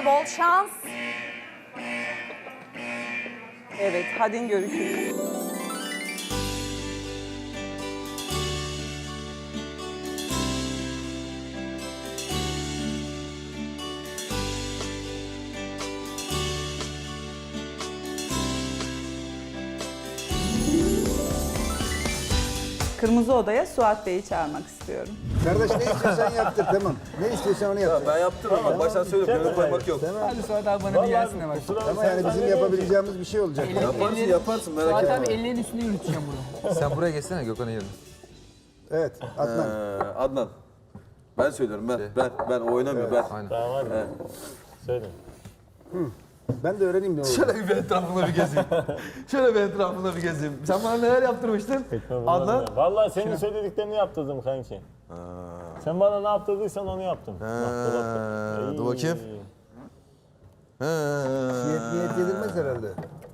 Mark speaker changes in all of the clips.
Speaker 1: bol şans. Evet, hadi görüşürüz. Kırmızı Oda'ya Suat Bey'i çağırmak istiyorum.
Speaker 2: Kardeş ne istiyorsan yaptır tamam. Ne istiyorsan onu yaptır.
Speaker 3: Ben yaptım ama baştan söylüyorum. Gönül koymak yok.
Speaker 4: Hadi Suat abi bana bir gelsene bak.
Speaker 2: Ama yani bizim yapabileceğimiz bir şey olacak.
Speaker 3: Yaparsın merak
Speaker 4: Suat
Speaker 3: etme.
Speaker 4: abi ellerin üstüne yürüteceğim bunu.
Speaker 5: Sen buraya geçsene Gökhan'ın yerine.
Speaker 2: Evet Adnan.
Speaker 3: Adnan. Ben söylüyorum ben o oynamıyor ben.
Speaker 5: Aynen.
Speaker 6: Tamam hadi. Söyle.
Speaker 2: Ben de öğreneyim ne oldu.
Speaker 3: Şöyle bir etrafında bir gezeyim. Şöyle bir etrafında bir gezeyim. Sen bana neler yaptırmıştın? Adnan.
Speaker 6: Vallahi senin söylediklerini yaptırdım kanki. Sen bana ne yaptırdıysan onu yaptım.
Speaker 3: Dur bakayım.
Speaker 2: Niyet yedirmez herhalde.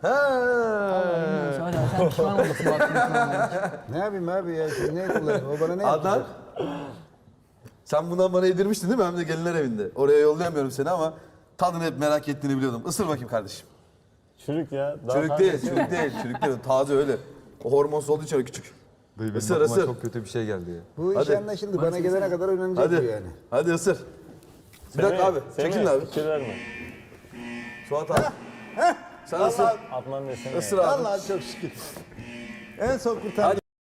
Speaker 4: Suat abi sen pişman oldun Suat abi.
Speaker 2: Ne yapayım abi ya siz ne kullanın? O bana ne yaptı?
Speaker 3: Adnan. Sen bundan bana yedirmiştin değil mi? Hem de gelinler evinde. Oraya yollayamıyorum seni ama tadını hep merak ettiğini biliyordum. Isır bakayım kardeşim.
Speaker 6: Çürük ya. Daha
Speaker 3: Çürük
Speaker 6: fazla-
Speaker 3: değil, çürük değil, çürük değil. Taze öyle. O hormonsuz olduğu için öyle küçük.
Speaker 5: Dayı benim
Speaker 3: Isır,
Speaker 5: aklıma
Speaker 3: ısır.
Speaker 5: çok kötü bir şey geldi ya.
Speaker 2: Bu iş
Speaker 3: Hadi.
Speaker 2: anlaşıldı. Bana gelene kadar öğrenecek bu
Speaker 3: Hadi,
Speaker 2: yani.
Speaker 3: hadi ısır. Bir dakika abi, çekilin abi.
Speaker 6: Fikir verme.
Speaker 3: Suat abi. Sen ısır.
Speaker 6: Atman desene.
Speaker 3: Isır abi.
Speaker 2: Vallahi çok şükür. En son kurtardım.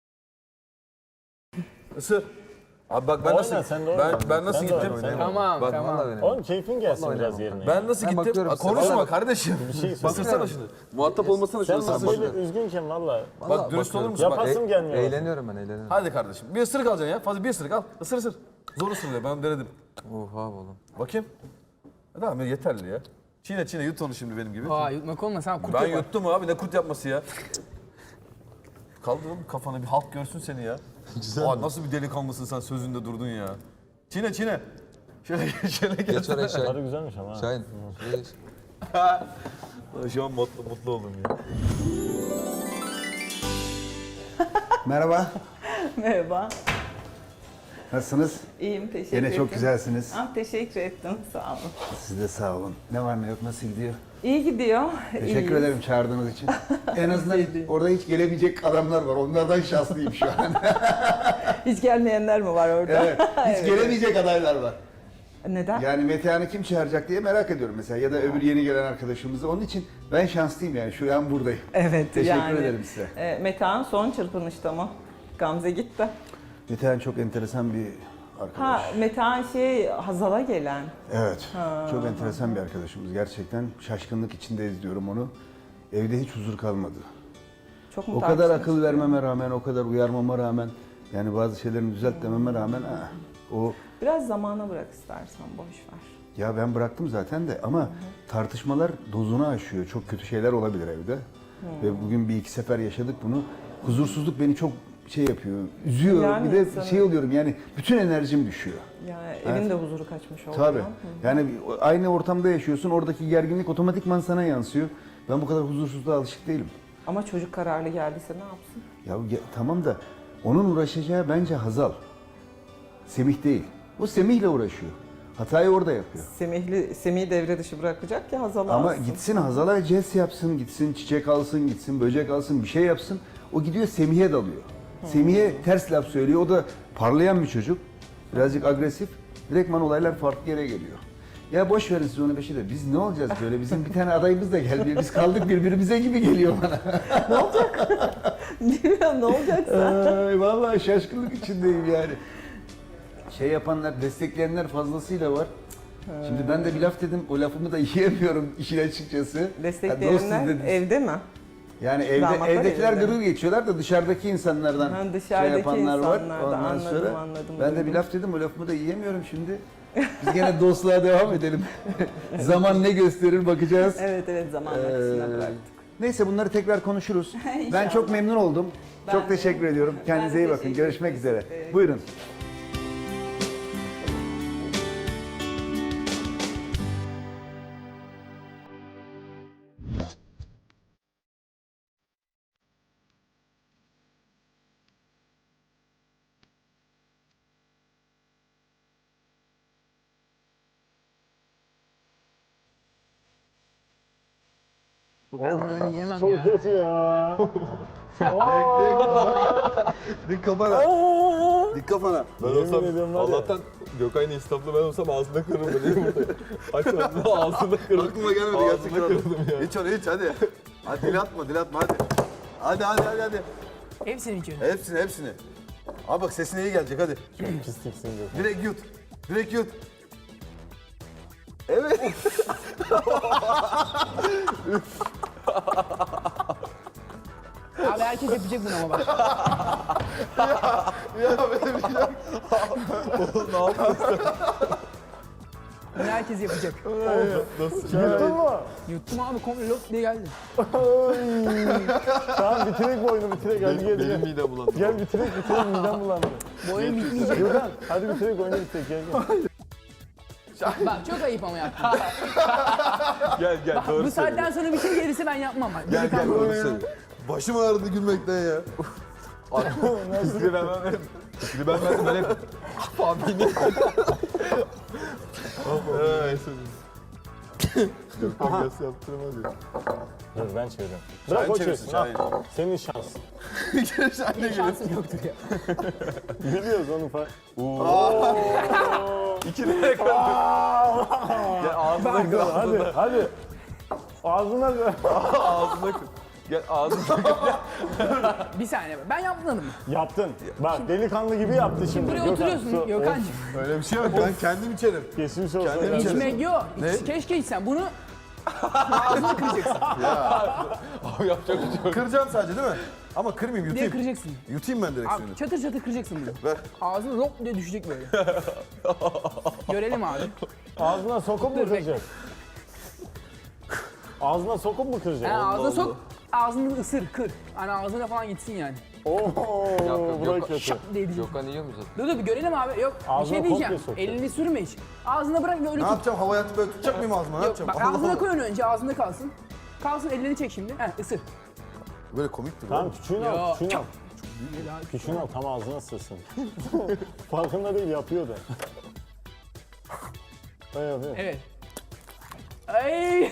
Speaker 3: Isır. Abi bak ben
Speaker 6: Oyna,
Speaker 3: nasıl
Speaker 6: sen de oyna.
Speaker 3: ben nasıl
Speaker 6: Sen de
Speaker 3: gittim?
Speaker 6: oyna, sen de
Speaker 4: Tamam
Speaker 3: Bak,
Speaker 4: tamam.
Speaker 5: Vallahi benim.
Speaker 6: Oğlum keyfin gelsin biraz yerine.
Speaker 3: Ben nasıl
Speaker 5: Ben
Speaker 3: gittim?
Speaker 5: bakıyorum size.
Speaker 3: Konuşma
Speaker 5: Vallahi-
Speaker 3: kardeşim.
Speaker 6: Bir şey söyle.
Speaker 3: Isırsana şunu. Muhatap olmasana
Speaker 6: Sen
Speaker 3: şunu.
Speaker 6: nasıl böyle üzgünken valla.
Speaker 3: Bak dürüst olur musun? Bak,
Speaker 6: Yapasım gelmiyor.
Speaker 5: Eğleniyorum ben eğleniyorum.
Speaker 3: hadi kardeşim. Bir ısırık alacaksın ya. Fazla bir ısırık al. Isır ısır. Zor ısırıyor. Ben denedim.
Speaker 5: Oha oğlum.
Speaker 3: Bakayım. Tamam yeterli ya. Çiğne çiğne yut onu şimdi benim gibi.
Speaker 4: Aa yutmak olmasa ha, kurt
Speaker 3: Ben
Speaker 4: yapar.
Speaker 3: yuttum abi ne kurt yapması ya. Kaldır oğlum kafana bir halk görsün seni ya. Aa, nasıl bir delikanlısın sen sözünde durdun ya. Çiğne çiğne. Şöyle gel.
Speaker 5: Geç oraya Şahin.
Speaker 6: Tadı güzelmiş ama. ha.
Speaker 5: Şahin. Şuraya geç.
Speaker 3: Şu an mutlu oldum ya.
Speaker 2: Merhaba.
Speaker 1: Merhaba.
Speaker 2: Nasılsınız?
Speaker 1: İyiyim, teşekkür
Speaker 2: Yine
Speaker 1: ederim.
Speaker 2: çok güzelsiniz.
Speaker 1: Teşekkür ettim, sağ olun.
Speaker 2: Siz de sağ olun. Ne var ne yok nasıl gidiyor?
Speaker 1: İyi gidiyor.
Speaker 2: Teşekkür
Speaker 1: iyiyiz.
Speaker 2: ederim çağırdığınız için. En azından orada hiç gelemeyecek adamlar var. Onlardan şanslıyım şu an.
Speaker 1: Hiç gelmeyenler mi var orada?
Speaker 2: Evet. Hiç gelemeyecek adaylar var.
Speaker 1: Neden?
Speaker 2: Yani Metehan'ı kim çağıracak diye merak ediyorum mesela. Ya da öbür yeni gelen arkadaşımızı. Onun için ben şanslıyım yani. Şu an buradayım.
Speaker 1: Evet,
Speaker 2: Teşekkür ederim size.
Speaker 1: Metehan son çırpınışta mı? Gamze gitti.
Speaker 2: Metehan çok enteresan bir arkadaş.
Speaker 1: Ha, Metehan Hazal'a gelen.
Speaker 2: Evet. Çok enteresan bir arkadaşımız. Gerçekten şaşkınlık içinde izliyorum onu. Evde hiç huzur kalmadı.
Speaker 1: Çok mu
Speaker 2: O kadar
Speaker 1: tartışmış?
Speaker 2: akıl vermeme rağmen, o kadar uyarmama rağmen, yani bazı şeylerini düzelt dememe rağmen o
Speaker 1: Biraz zamana bırak istersen, boş ver.
Speaker 2: ya ben bıraktım zaten de ama tartışmalar dozunu aşıyor. Çok kötü şeyler olabilir evde. Ve bugün bir iki sefer yaşadık bunu. Huzursuzluk beni çok şey yapıyor, üzüyor.
Speaker 1: Yani
Speaker 2: bir de
Speaker 1: insanın-
Speaker 2: şey oluyorum yani bütün enerjim düşüyor.
Speaker 1: Yani evin de huzuru kaçmış oluyor.
Speaker 2: Tabii.
Speaker 1: Hı.
Speaker 2: Yani aynı ortamda yaşıyorsun. Oradaki gerginlik otomatikman sana yansıyor. Ben bu kadar huzursuzluğa alışık değilim.
Speaker 1: Ama çocuk kararlı geldiyse ne yapsın?
Speaker 2: Tamam da onun uğraşacağı bence Hazal. Semih değil. O Semih'le uğraşıyor. Hatayı orada yapıyor.
Speaker 1: Semih'i devre dışı bırakacak ki Hazal'ı
Speaker 2: Ama
Speaker 1: alsın.
Speaker 2: gitsin Hazal'a jest yapsın, gitsin çiçek alsın, gitsin böcek alsın, bir şey yapsın. O gidiyor Semih'e dalıyor. Semih'e ters laf söylüyor. O da parlayan bir çocuk. Birazcık agresif. Direktman olaylar farklı yere geliyor. Ya boş verin siz onu beşi de. Biz ne olacağız böyle? Bizim bir tane adayımız da gelmiyor. Biz kaldık birbirimize gibi geliyor bana.
Speaker 1: Bilmiyorum ne olacaksa.
Speaker 2: Ay, vallahi şaşkınlık içindeyim yani. Şey yapanlar, destekleyenler fazlasıyla var. Şimdi ben de bir laf dedim, o lafımı da yiyemiyorum işin açıkçası. Ya
Speaker 1: Destekleyenler
Speaker 2: dostuz dediniz.
Speaker 1: evde mi?
Speaker 2: Yani
Speaker 1: Damatlar
Speaker 2: evdekiler
Speaker 1: evinde.
Speaker 2: gırır geçiyorlar da dışarıdaki insanlardan
Speaker 1: Ha,
Speaker 2: şey
Speaker 1: dışarıdaki
Speaker 2: yapanlar var.
Speaker 1: insanlardan.
Speaker 2: Ondan
Speaker 1: Anladım,
Speaker 2: sonra
Speaker 1: anladım,
Speaker 2: ben de bir
Speaker 1: duydum.
Speaker 2: laf dedim, o lafımı da yiyemiyorum şimdi. Biz gene dostluğa devam edelim. Zaman ne gösterir bakacağız.
Speaker 1: Evet zaman akışına bıraktık.
Speaker 2: Neyse bunları tekrar konuşuruz. Ben
Speaker 1: İnşallah.
Speaker 2: çok memnun oldum.
Speaker 1: Ben
Speaker 2: Çok
Speaker 1: de.
Speaker 2: teşekkür ediyorum. Kendinize
Speaker 1: Ben de
Speaker 2: iyi bakın.
Speaker 1: teşekkür
Speaker 2: Görüşmek
Speaker 1: ederim.
Speaker 2: üzere.
Speaker 1: Evet.
Speaker 2: Buyurun.
Speaker 4: Ben böyle yiyemem
Speaker 6: Çok
Speaker 4: ya.
Speaker 6: kötü ya.
Speaker 3: Dik kafana. Dik kafana. Ben
Speaker 6: Yemin
Speaker 3: olsam
Speaker 6: ediyorum var ya.
Speaker 3: Allah'tan Gökay'ın istaflı ben olsam ağzında kırırım değil mi? Aç ağzını ağzında kırırım. Aklıma gelmedi gerçekten. Kırdım ya. İç onu iç hadi. Hadi dil atma hadi. Hadi.
Speaker 4: Hepsini içiyorum.
Speaker 3: Hepsini. Abi bak sesine iyi gelecek hadi.
Speaker 6: Pisliksin Gökhan.
Speaker 3: Direkt yut. Evet.
Speaker 4: Abi herkes yapacak bunu ama bak.
Speaker 3: Ya böyle bir şey. Oğlum ne yaptın?
Speaker 4: Bunu herkes yapacak.
Speaker 6: Yuttun mu?
Speaker 4: Yuttum abi komple lop diye geldi.
Speaker 6: Tamam bitirek bu oyunu bitirek. Hadi gel
Speaker 3: Benim
Speaker 6: gel.
Speaker 3: midem bulandı.
Speaker 6: Gel bitirek midem bulandı.
Speaker 4: Bu oyun bitmeyecek.
Speaker 6: Gökhan hadi bitirek oyunu bitirek gel gel.
Speaker 4: Bak çok ayıp ama yaptın.
Speaker 3: Gel
Speaker 4: Bak bu saatten sonra bir şey gelirse ben yapmam. Bak.
Speaker 3: Gel doğru söyle. Başım ağrıdı gülmekten ya. Fikri ben vermedim. Fikri ben verdim ben hep. Fabini. Gökhan gelse yaptırmaz ya.
Speaker 6: Dur ben çevireceğim. Bırak o çevirsin.
Speaker 3: Şahin.
Speaker 6: Senin şansın.
Speaker 3: Sen de gülüyorsun.
Speaker 4: Şansım yoktur ya.
Speaker 6: Biliyoruz onu falan.
Speaker 3: İki lira kaldı. Gel ağzına kır.
Speaker 6: Hadi. Ağzına ver.
Speaker 3: Ağzına kır. Gel ağzına kır.
Speaker 4: Bir saniye ben yapmadım.
Speaker 6: Yaptın. Bak delikanlı gibi yaptı şimdi.
Speaker 4: Buraya
Speaker 6: Gökhan,
Speaker 4: oturuyorsun
Speaker 6: su-
Speaker 4: Gökhan'cığım.
Speaker 3: Öyle bir şey yok. Ben kendim içerim.
Speaker 6: Geçmiş olsun.
Speaker 3: Kendini
Speaker 6: ya.
Speaker 3: içeri-
Speaker 4: İçmek yok.
Speaker 3: Ne?
Speaker 4: Keşke içsen. Bunu ağzına kıracaksın.
Speaker 3: Abi yapacak bir şey yok. Kıracağım sadece değil mi? Ama kırmayayım
Speaker 4: Diye
Speaker 3: yutayım.
Speaker 4: kıracaksın.
Speaker 3: Yutayım ben direkt
Speaker 4: Abi
Speaker 3: suyunu.
Speaker 4: çatır çatır kıracaksın bunu.
Speaker 3: Ver.
Speaker 4: Ağzına lop diye düşecek böyle. Görelim abi.
Speaker 6: Ağzına sokup mu
Speaker 4: Dur,
Speaker 6: kıracak? Ağzına sokup mu kıracak?
Speaker 4: Yani ağzına sok, ağzını ısır, kır. Hani ağzına falan gitsin yani.
Speaker 6: Oo, bu da
Speaker 5: yok.
Speaker 6: kötü.
Speaker 4: Diye diyecek.
Speaker 5: Gökhan yiyor mu zaten?
Speaker 4: Dur dur bir görelim abi. Yok bir
Speaker 6: Ağzına
Speaker 4: şey diyeceğim.
Speaker 6: komple sok.
Speaker 4: Elini sürme hiç. Ağzına bırak ve öyle
Speaker 3: Ne
Speaker 4: tut.
Speaker 3: yapacağım? Havaya atıp böyle tutacak mıyım ağzıma? Ne
Speaker 4: Yok
Speaker 3: yapacağım?
Speaker 4: bak
Speaker 3: Allah
Speaker 4: ağzına
Speaker 3: Allah.
Speaker 4: koy onu önce ağzında kalsın. Kalsın ellerini çek şimdi. Heh ısır.
Speaker 3: Böyle komiktir.
Speaker 6: Tamam küçüğünü al,
Speaker 4: Yo.
Speaker 6: küçüğünü al. Küçüğünü al tam ağzına sığsın. Farkında değil yapıyor da. Evet.
Speaker 4: Evet. Ay.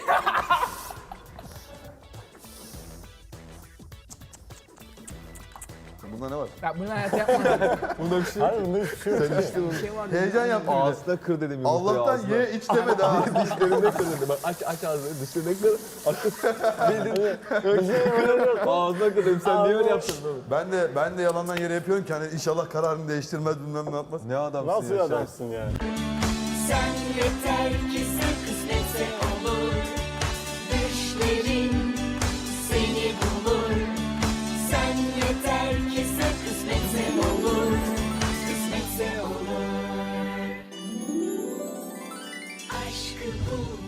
Speaker 3: Bunda ne var?
Speaker 4: Bak bunu hayatta yapmam.
Speaker 3: Bunda bir şey yok.
Speaker 6: Hayır bunda hiçbir şey yok.
Speaker 4: Bir şey var.
Speaker 3: Heyecan yaptım bir de.
Speaker 5: Ağzına kır dedim yumurtayı
Speaker 3: Allah'tan
Speaker 5: ağzına.
Speaker 3: ye iç demedi ha.
Speaker 5: Dişlerinde kır dedim. Bak aç ağzını. Dişlerinde kır.
Speaker 6: Bize öyle yok.
Speaker 5: Ağzına kır dedim. Sen niye öyle yaptın oğlum?
Speaker 3: Ben de yalandan yere yapıyorum ki hani inşallah kararını değiştirmez bilmem ne yapmaz. Ne adamsın
Speaker 6: Nasıl
Speaker 3: ya.
Speaker 6: adamsın ya?
Speaker 7: Sen yeter ki sen kısmetse olur. Düşlerin seni bulur. Sen yeter ki sen kısmetse olur. Kısmetse olur. Aşkı bul.